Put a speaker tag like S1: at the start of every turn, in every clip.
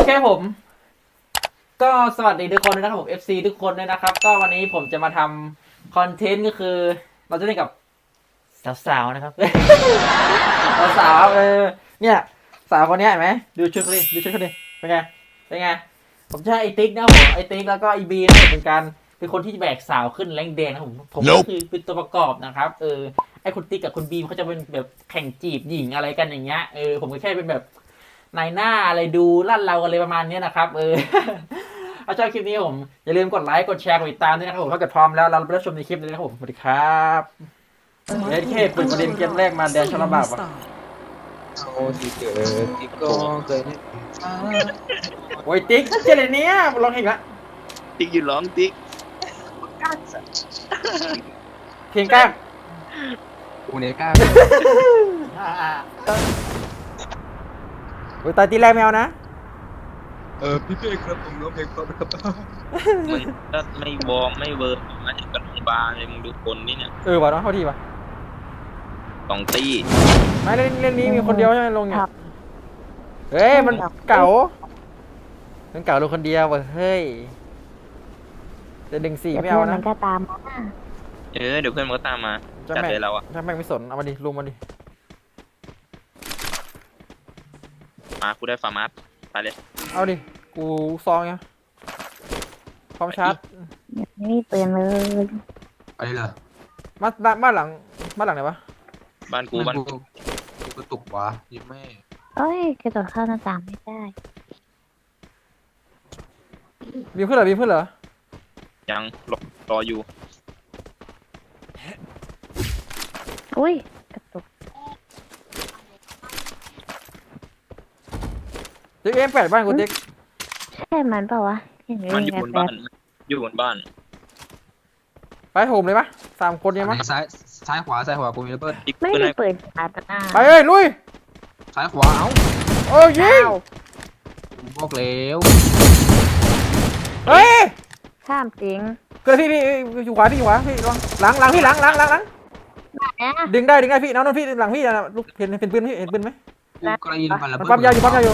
S1: เคผมก็สวัสดีทุกคนนะครับผม FC ทุกคนด้วยนะครับก็วันนี้ผมจะมาทำคอนเทนต์ก็คือเราจะเล่นกับสาวๆนะครับ สาวเนี่ยสาวคนนี้เห็นไหมดูชุดเขาดิดูชุดเขาดิเป็นไงเป็นไงผมจะให้ไอติ๊กนะครับผมไอติ๊กแล้วก็ไอบีนะครับเป็นคนที่แบกสาวขึ้นแรงแดงนะครับผมก็คือเป็นตัวประกอบนะครับไอคุณติ๊กกับคุณบีมเขาจะเป็นแบบแข่งจีบหญิงอะไรกันอย่างเงี้ยผมก็แค่เป็นแบบนายหน้าอะไรดูลั่นเรากันเลยประมาณนี้นะครับถ้าชอบคลิปนี้ผมอย่าลืมกดไลค์กดแชร์กดติดตามด้วยนะครับผมถ้าเกิดพร้อมแล้วเราไปรับชมในคลิปเลยนะครับผมสวัสดีครับเล่นแค่เปิดประเด็นเกมแรกมาแดนชลบาบอ่ะ
S2: โอ้ที่เกิดที่ก็เกิด
S1: โอ้ยติ๊กเจเลยเนี้ยลองอีกละ
S3: ติ๊กอยู่ร้องติ๊ก
S1: เพลงก้าง
S2: กูเนี่ยกล้า
S1: โอ้ยตายตีแรกแมวนะ
S2: พี่เป้ครับผมร้องเพลงเพราะครับ
S3: มึงก็ไม่วอร์มไม่เวิร์มมาถึงกับโรงพยาบาลเลยมึงดูคนนี่เนี่ย
S1: ว่ะน้องเข้าทีป่ะ
S3: สองตี
S1: ไม่เล่นนี้มีคนเดียวใช่ไหมลงเนี่ยเฮ้ยมันเก่าลงคนเดียวเว้ยเฮ้ยจะดึงสี่ไม่เอานะ
S4: มันก็ตามมา
S3: เดี๋ยวเพื่อนมันก็ตามมาจัดเลยเราอะ
S1: ถ้าแม่งไม่สนเอามาดิลุงมาดิ
S3: มากูได้ฟาร์มัสไปเลย
S1: เอาดิกูซองไงพร้อมชาร์จ
S4: ไม่มีปืนเลย
S2: อะไรเหรอ
S1: บ้านหลังไหนวะ
S3: บ้านกูบ้าน
S2: กูกระตุกวะยิ้มแม่
S4: เอ้ยกระโดดเข้าหน้าต่างไม่ได้
S1: มีเพื่อนเหรอ
S3: ยังรออยู่
S4: อุ้ยกระตุก
S1: เด็กM8บ้านกูเด็ก
S4: ใช่มันเปล่าวะเห็นไห
S3: มันอยู่บนบ้านอยู่บนบ้าน
S1: ไปโถมเลยปะ3 คนยังมั้ง
S2: ซ้ายขวากูมีระเบิด
S3: ติ๊ก
S4: ไม่
S3: เพื่อน
S4: มี
S3: ให้
S4: ปืนชาร์จหน้า
S1: ไปเอ้ยลุย
S2: ซ้ายขวาเอ้า
S1: โอ้ยยิง
S2: กูบอกแล้ว
S1: เฮ้ย
S4: ข้ามจริง
S1: เกิดพี่อยู่ขวาพี่ระวังหลังพี่หลัง
S4: นะ
S1: ดึงได้พี่น้องพี่หลังพี่นะลูกเห็นปืนพี่เห็นปืนไหม
S2: กูกระยินมันระ
S1: มัน
S2: เบิด
S1: ปั๊มยาวอยู่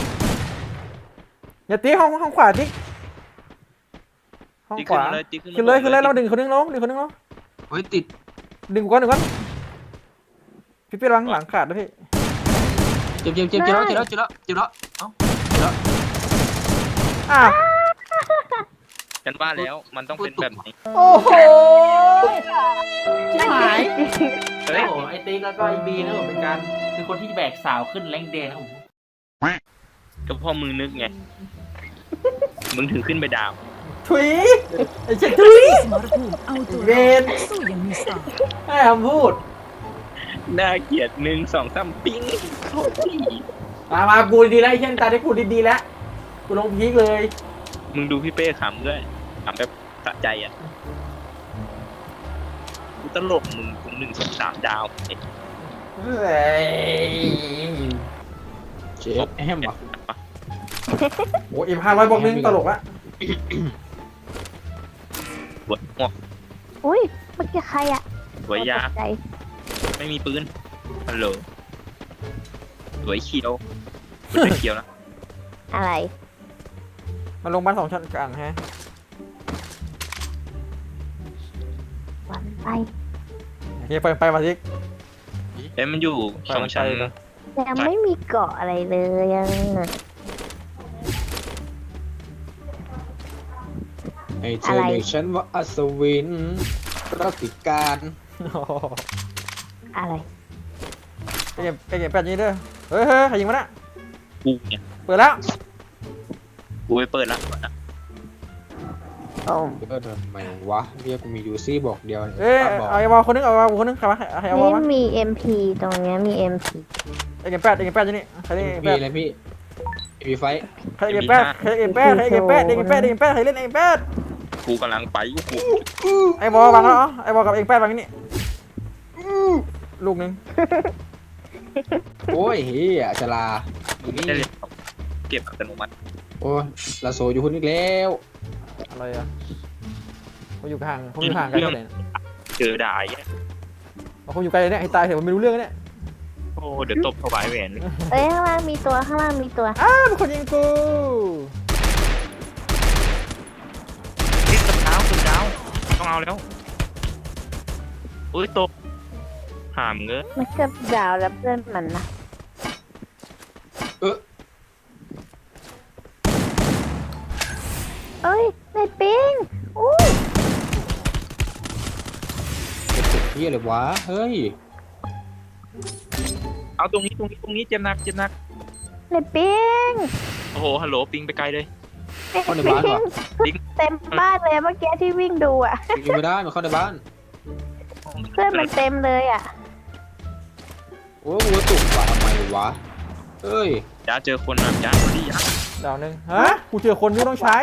S1: อย่าตีห้องขวาติ๊กห้อง
S3: ติ๊ก
S1: ขวา
S3: ติ๊ก
S1: ขึ้นเลยเราดึงคนนึงลง
S2: เฮ้ยติด
S1: ดึงก่อนพี่หลังขาดนะพี่
S2: เจ็บแล้วเอ้า
S1: อ้าว
S3: ฉันว่าแล้วมันต้องเป็นแบบนี้
S1: โอ้โหชิบหาย
S3: เฮ้ย
S1: ไอติ๊กแล้วก็ไอบีนะผมเป็นคนที่แบกสาวขึ้นแรงแดงนะผม
S3: ก็พ่อมึงนึกไงมึงถึงขึ้นไปดาว
S1: ถุยไอเช็ดถุย
S5: สมรภูมิเอาตัว
S1: เว
S5: รอด
S1: น
S5: สู้อยังมีสไตล์
S1: ให้คำพูด
S3: น่าเกลียด1 2 3ปิ้งโคตรดี
S1: มากูดีแล้วไอเช่นตาได้กูดีแล้วกูลงพีคเลย
S3: มึงดูพี่เป้ขำด้วยขำแบบสะใจอ่ะกูตลกมึงกู1 2 3ดาวเอ๊ะ
S1: เฮ้ย
S2: เจ็บแอมว่ะ
S1: โอ้M500บอกนึงตลกละ
S3: หัวงอก
S4: อุ้ยเมื่อกี้ใครอะ
S3: หัวยา
S4: ตกใจ
S3: ไม่มีปืนฮัลโหลสวยเขียวสวยเขียวนะ
S4: อะไร
S1: มันลงบ้าน2 ชั้นกลางฮะ
S4: วันไป
S1: โอเคไปมาทิก
S3: เอ้ยมันอยู่สองชั้น
S4: ยังไม่มีเกาะอะไรเลยยัง
S2: ไอ้เธอเรียกฉันว่าอัศวินรัติการ
S4: อะไร
S1: ไอเก็บแปดนี้เด้อเฮ้ยใครยิงมันอะ
S3: กูเนี่ย
S1: เปิดแล้ว
S3: กูไปเปิดละ
S4: โอ้
S2: ทำไมวะเรียกกูมียูซี่บอกเดียว
S1: เอ้ยเอาไอ้บอลคนนึงใครวะใครเอาบอล
S4: นี่
S1: มา
S4: มี MP ตรงเนี้ยมี MP
S1: ไอเก็บแปดอยู่นี่ใครเล่น
S2: พี่เลยพี่มีไฟ
S1: ใครเก็บแปดใครเล่นไอเก็บแปด
S3: กูกำลังไปกู
S1: ไอ้บอลวางแล้วไอ้บอลกับเอกแปดวางนี่ลูกนึง
S2: โอ้ยเฮียชลาอยู่นี่
S3: ได้เลยเก็บอัตโนมัติ
S2: โอ้ยลาโซอยู่คนอีกแล้ว
S1: อะไรอะเขาอยู่ห่างกันเท่าไหร่
S3: เจอด่าอย่างเงี้ย
S1: เขาอยู่ไกลเนี่ยให้ตายเถอะมันไม่รู้เรื่องเนี่ย
S3: โอ้เดี๋ยวตบถวายแหวน
S4: เอ้ยข้างล่างมีตัว
S1: อ้าวเป็นคนยิงกู
S3: าวแล้วอุ้ยตกหามเงอะ
S4: มันเกือบดาวแล้วเพื่อนมันนะ
S2: เออ
S4: เอ้ยในปิงอุ้ย
S2: เฮียเลยวะเฮ้ย
S3: เอาตรงนี้เจ็บหนัก
S4: ในปิง
S3: โอ้โหฮัลโหลปิงไปไกลเลย
S2: เข้าในบ้านวะ
S3: ปิง
S4: เต็มบ้านเลยเมื่อกี้ที่วิ่งดูอ่ะ
S2: ยิงไม่ได้มันเข้าในบ้าน
S4: เพื่อนมันเต็มเลยอ่ะ
S2: โอ้วัวตุกวะทำไมวะเฮ้ย
S3: จ้าเจอคนนะจ้ามาดิจ้า
S1: ดาวหนึ่งฮะกูเจอคนที่ต้องใช้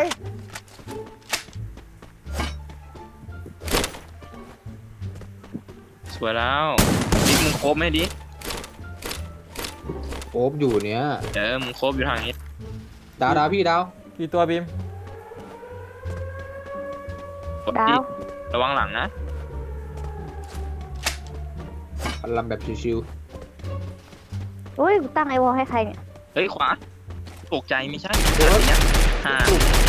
S3: สวยแล้วดิมึงโคบไหมดิ
S2: โอบอยู่เนี้ย
S3: มึงโคบอยู่ทางนี้
S2: ดาวพี่ดาว
S1: กี่ตัวบีม
S3: กดดิระวังหลังนะ
S2: พันลำแบบชิว
S4: อุ้ยกูตั้งไอวอลให้ใครเนี่ย
S3: เฮ้ยขวาตกใจไม่ใช่อะไรเนี่ยห่า
S2: ๆ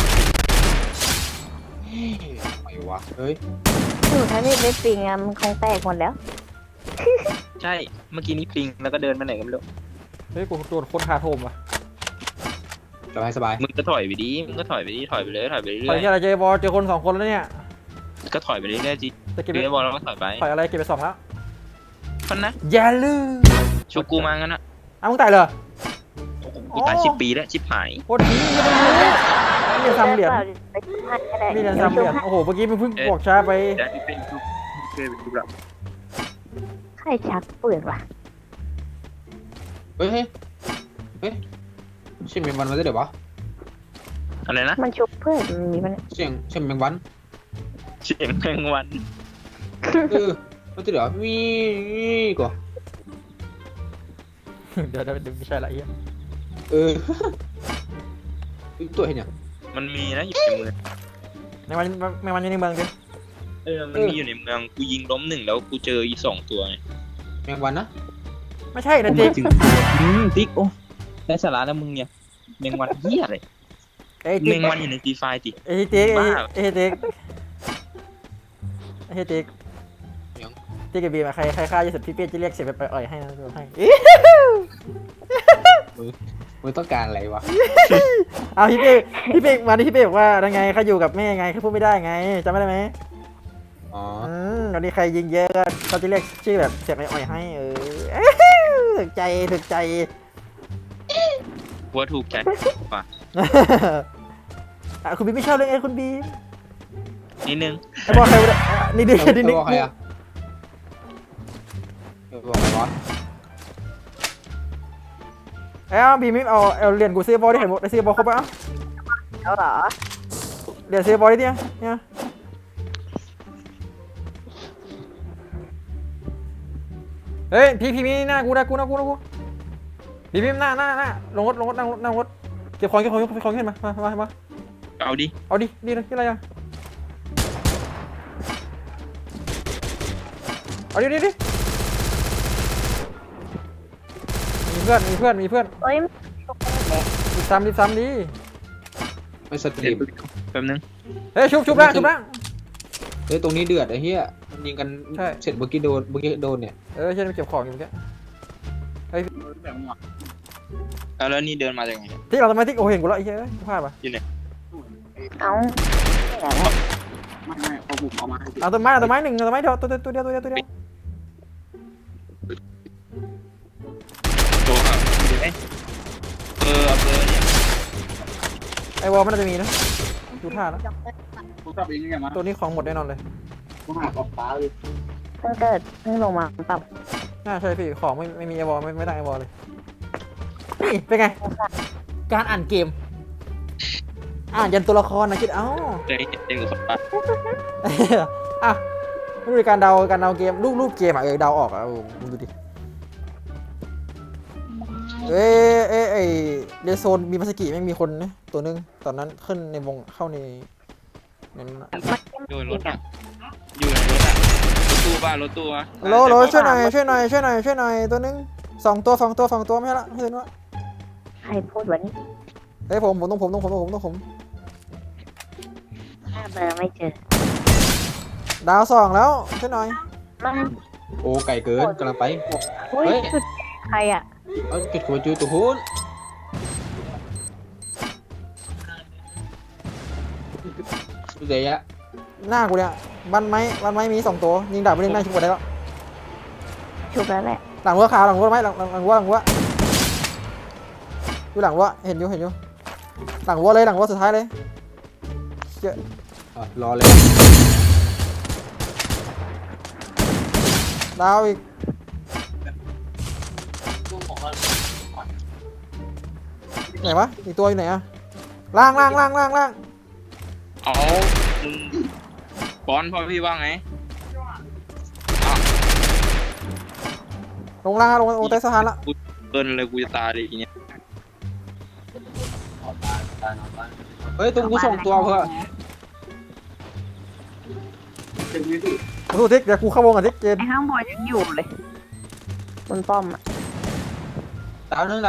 S2: ทำไมวะเฮ้ย
S4: อยู่ถ้าที่ในปิงอ่ะมันคงแตกหมดแล้ว
S3: ใช่เมื่อกี้นี้ปิงแล้วก็เดินไปไหนก็ไม่รู้
S1: เฮ้ยกูโดนคนคาโถมว่ะ
S2: สบายสบาย
S3: มึงก็ถอยไปดิมึงก็ถอยไปดิถอยไปเลยถอยไปเรื่
S1: ถอย
S3: อย
S1: ที่อะไรเจอบอลเจอคน2 คนแล้วเนี่ย
S3: ๆก็ถอยไปเรื่อยๆจิ
S1: จะเก็บ
S3: เดี๋ยวบอลเราก็ถอยไป
S1: ถอยอะไรเก็บไป2แล้ว
S3: พันนะ
S1: อย่าลืม
S3: ชุกกูมางั้นนะ
S1: อ้าวมึงตายเหรอ
S3: กูตาย10 ปีแล้วชิบหาย
S1: โคตรดียังไม่รู้มีเหรียญ3 เหรียญ
S4: ไปชุบให้ก็ได้
S1: มีเหรียญ3 เหรียญโอ้โหเมื่อกี้มึงเพิ่งบอกช้าไป
S3: เดี๋ยวเป็นชุกเป็นชุกแล้ว
S4: ใครชักปืนวะ
S2: เฮ้ยเฮ้ยเสียงแมงวันมาได้เดี๋ยววะ
S3: อะไรนะ
S4: มันชุบเพื่อนมันมีมัน
S2: เสียงแมงวัน
S3: เสียงแมงวัน
S2: เออมันจะเดี๋ยวมีก่อน
S1: เดี๋ยวไม่ใช่ละเอีย
S2: เออตัวเห็นยัง
S3: มันมีนะอยู่ในเมือง
S1: ในวันอยู่ในเมืองดิ
S3: มันมีอยู่ในเมืองกูยิงล้ม1แล้วกูเจออีก2ตัวไง
S2: แมงวันนะ
S1: ไม่ใช่นะติ๊ก
S3: ติ๊กโอ้ได้สาระแล้วมึงเนี่ยแมงวันเหี้ยอะไร
S1: ไอ้
S3: แม
S1: ติ๊ก
S3: งวันอยู่ในฟรีไฟติ
S1: ไอ้ติ๊ก
S3: บ้า
S1: ไอ้ติ๊กไอ้ติ๊กติ๊กกับบีมใครฆ่าจะเสร็จพี่เปี้ยจะเรียกเสร็จไปอ่อยให้นะให้
S2: มึงต้องการอะไรวะ
S1: เอาพี่เป้มาที่พี่เป้บอกว่ายังไงเขาอยู่กับแม่ไงเขาพูดไม่ได้ไงจำไม่ได้ไหม
S2: อ๋อ
S1: วันนี้ใครยิงเยอะก็เขาจะเรียกชื่อแบบเสียงอ่อยให้ถึกใจ
S3: หัวถูกใจว่ะ
S1: คุณบีมไม่ชอบเลยไงคุณบีม
S3: นิดนึง
S1: ไอ้บอลใครวะนี่ดิ
S2: เออบอกใครอะเออบอกใครวะ
S1: เอ้าบีมไม่เอาเหรียญกูซื้อบอลได้เห็นหมดได้ซื้อบอลครบปะ
S4: เอาเหรอ
S1: เหรียญซื้อบอลได้เนี่ยเฮ้ยพี่มีหน้ากูพี่หน้าลงรถนั่งรถเก็บของขึ้นมา
S3: เอาดิ
S1: เอาดินี่อะไรอ่ะเอาดิมีเพื่อน
S4: เอ้ย
S1: รีบซ้ำดิ
S2: ไม่สต
S3: เดี๋
S2: รี
S3: ยว
S2: ม
S3: แป๊บนึง
S1: เฮ้ยชุบล่าง
S2: เฮ้ยตรงนี้เดือดไอ้เหี้ยมันยิงกัน
S1: ใช่
S2: เสร็จเมื่อกี้โดนเนี่ย
S1: เช่นเก็บของอยู่เมื่อกี้
S3: แล้วนี่เดินมาจากไหน
S1: ที่เราทำไมที่โอ้เห็นกูแล้วไอ้เหี้ยพลาดป่ะ
S4: เอา
S1: เอาต้นไม้หนึ่งต้นไม้เดียวตัวเดียว
S3: ตัวครับเอาเบอร์เนี่ย
S1: ไอ้วอลมันน่าจะมีนะดูท่าแล้วตัวนี้ของหมดแน่นอนเลย
S4: เพิ่งเกิดเพิ่งลงมาปรับ
S1: น่าใช่พี่ของไม่มีไอ้วอลไม่ได้ไอ้วอลเลยนี่เป็นไงการอ่านเกมอ่านยันตัวละครนะคิดเอ้า
S3: เคยเห็นเต็มกับคนปะ
S1: อ่ะไม่รู้การเดาเกมรูปเกมอ่ะเดาออกอ่ะมึงดูดิเรโซนมีมาสกิไม่มีคนนะตัวนึงตอนนั้นขึ้นในวงเข้าในนั้น
S3: อยู่รถอ่ะอยู่ในรถอ่ะรถตู้
S1: โลช่วยหน่อยตัวนึง2 ตัวไม่ใช่ละไม่ใช่ว่า
S4: ใครพูดวันนี้
S1: เฮ้ยผมต้องผม
S4: หาเบอร์ไม่เจอ
S1: ดาวสองแล้วช่วยหน่อย
S4: มัน
S2: โอ้ไก่เกินกำลังไป
S4: อุ้ย
S2: เฮ้ย
S4: จุดใครอ่ะ
S2: เอาจุดหัวจูตัวหุ้นเดี๋ยว
S6: หน้ากูเนี่ยบ้านไม้มี2 ตัวยิงดาบไปเล่นได้ชุบหมดได้แล้ว
S4: ชุบแล้วแหละ
S6: หลังวัวขาวหลังวัวไหมหลังวัวอยู่หลังวัวเห็นอยู่หลังวัวเลยหลังวัวสุดท้ายเลยเชี่ย
S2: รอเลย
S6: ดาวอีกไหนวะอีกตัวอยู่ไหนอะล่าง
S3: เอามึงบอลพ่อพี่ว่าไง
S6: ลงล่างลงใต้สะพานละ
S3: กูเกินเลยกูจะตายเลยทีเนี้ย
S2: เฮ้ยตรงกูส่งตัวเพื่อ
S6: สู้ทิกเดี๋ยวกูเข้าวงกับทิกเจน
S4: ไอ้ข้างบนยังอยู่เลยบนป้อมอ่ะ
S2: ดาวนึง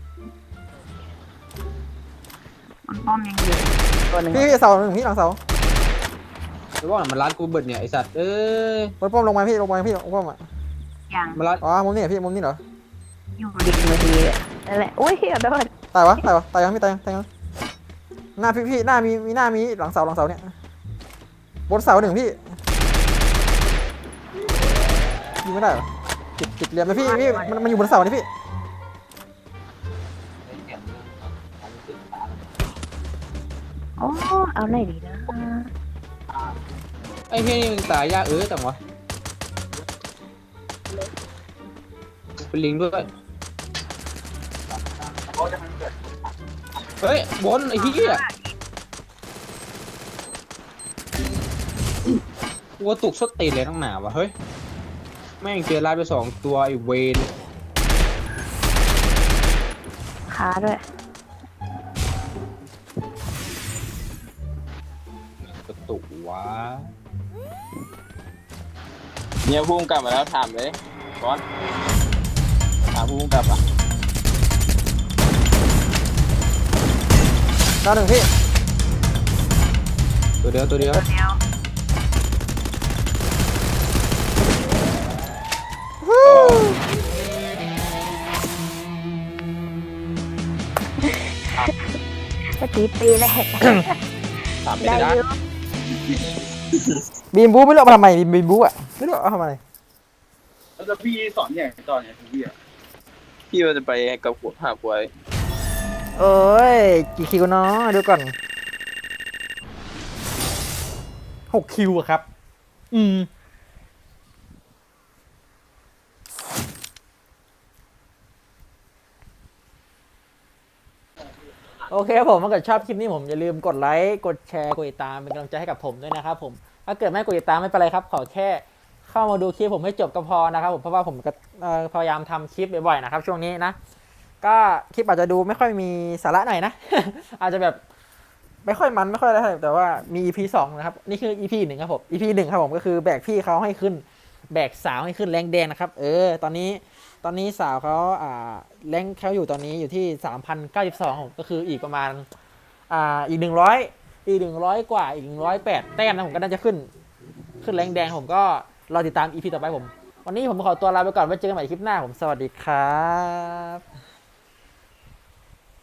S4: บนป้อมยังอยู่ตัวหนึ่ง
S6: พี่เสาหนึ่งพี่หลังเสา
S2: หรือว่ามันร้านกูเบิดเนี่ยไอสัตว์เอ้ย
S6: บนป้อมลงมาพี่ลงมาป้อมอะ
S4: ยัง
S2: มันร้าน
S6: อ๋อมุมนี้เหรอพี่มุมนี้เหรอ
S4: อยู่ริมมือทีอะนั่นแหละอุ้ยเดี๋ยว
S6: ตายวะยังไม่ตายยังหน้าพี่หน้ามีหน้ามีหลังเสาเนี่ยบนเสาหนึ่งพี่ยิงไม่ได้เหรอติดเหลี่ยมเลยพี่มันอยู่บนเสานี่พี่
S4: โอ้เอาไหนดีนะ
S2: ไอ้เฮียนี่มึงตายยากจังวะเป็นลิงด้วยเฮ้ยบนไอ้เหี้ยกูตุกสติเลยตั้งหนาวะเฮ้ยแม่งเจอลาดไป2 ตัวไอ้เวน
S4: ขาด้วย
S2: กระตุกวะ
S3: เนี่ยพุ่งกลับมาแล้วถามเลยบอลถามพุ่งกลับอ่ะ
S6: ดาวหนึ่งพี่
S2: ตัวเดียว
S4: ตัวเดียว ก็ตีแหละ
S3: ถามไม่
S4: ได้
S3: ได้
S4: อยู่
S6: บีมบูไม่รู้เอามาทำไมบีมบูอะไม่รู้เอาทำไม
S7: แล้วพี่สอนอย่างตอนเนี่ยพี่อะ
S3: พี่ว่าจะไปกับหัวหาบวย
S6: เอ้ยกี่คิวเนาะดูก่อน6 คิวอะครับ โอเคครับผมถ้าเกิดชอบคลิปนี้ผมอย่าลืมกดไลค์กดแชร์กดติดตามเป็นกำลังใจให้กับผมด้วยนะครับผมถ้าเกิดไม่กดติดตามไม่เป็นไรครับขอแค่เข้ามาดูคลิปผมให้จบก็พอนะครับผมเพราะว่าผมก็พยายามทำคลิปบ่อยๆนะครับช่วงนี้นะก็คลิปอาจจะดูไม่ค่อยมีสาระหน่อยนะ อาจจะแบบไม่ค่อยมันไม่ค่อยอะไรเท่าไหร่แต่ว่ามี EP 2นะครับนี่คือ EP 1ครับผม EP 1ครับผมก็คือแบกพี่เขาให้ขึ้นแบกสาวให้ขึ้นแรงแดงนะครับตอนนี้สาวเขาแรงเขาอยู่ตอนนี้อยู่ที่ 3,092ผมก็คืออีกประมาณอีก100กว่าอีก108แต้มนะผมก็น่าจะขึ้นแรงแดงผมก็รอติดตาม EP ต่อไปผมวันนี้ผมขอตัวลาไปก่อนไว้เจอกันใหม่คลิปหน้าผมสวัสดีครับ